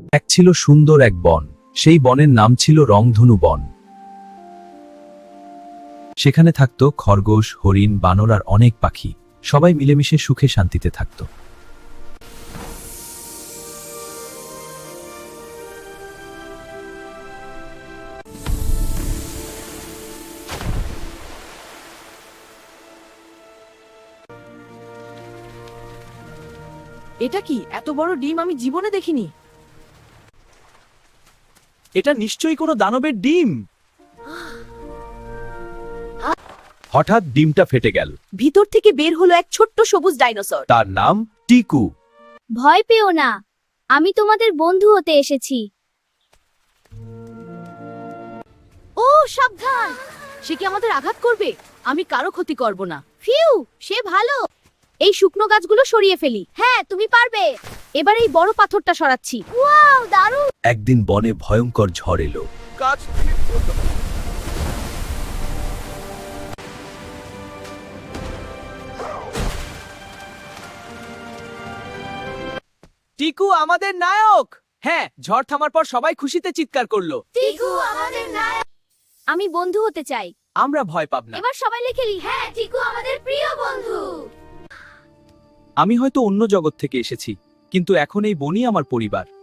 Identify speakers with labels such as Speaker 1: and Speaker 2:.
Speaker 1: এক ছিল সুন্দর এক বন, সেই বনের নাম ছিল রংধনু বন। সেখানে থাকত খরগোশ, হরিণ, বানর আর অনেক পাখি। সবাই মিলেমিশে সুখে শান্তিতে থাকত।
Speaker 2: এটা কি? এত বড় ডিম আমি জীবনে দেখিনি।
Speaker 1: এটা নিশ্চয়ই কোনো দানবের ডিম। হঠাৎ ডিমটা ফেটে গেল।
Speaker 2: ভিতর থেকে বের হলো এক ছোট্ট সবুজ ডাইনোসর।
Speaker 1: তার নাম টিকু।
Speaker 3: ভয় পেও না, আমি তোমাদের বন্ধু হতে এসেছি।
Speaker 2: ও সাবধান, সে কি আমাদের আঘাত করবে? আমি কারো ক্ষতি করব না।
Speaker 3: ফিউ, সে ভালো। এই শুকনো গাছগুলো সরিয়ে ফেলি। হ্যাঁ, তুমি পারবে।
Speaker 2: এবার এই বড় পাথরটা সরাচ্ছি।
Speaker 3: ওয়াও, দারুণ।
Speaker 1: একদিন বনে ভয়ঙ্কর ঝড় এলো।
Speaker 4: টিকু আমাদের নায়ক। হ্যাঁ, ঝড় থামার পর সবাই খুশিতে চিৎকার করলো।
Speaker 3: টিকু আমাদের নায়ক। আমি বন্ধু হতে চাই।
Speaker 4: আমরা ভয় পাব না।
Speaker 3: এবার সবাই লিখে লি। হ্যাঁ, টিকু আমাদের প্রিয় বন্ধু।
Speaker 4: আমি হয়তো অন্য জগৎ থেকে এসেছি, কিন্তু এখন এই বনই আমার পরিবার।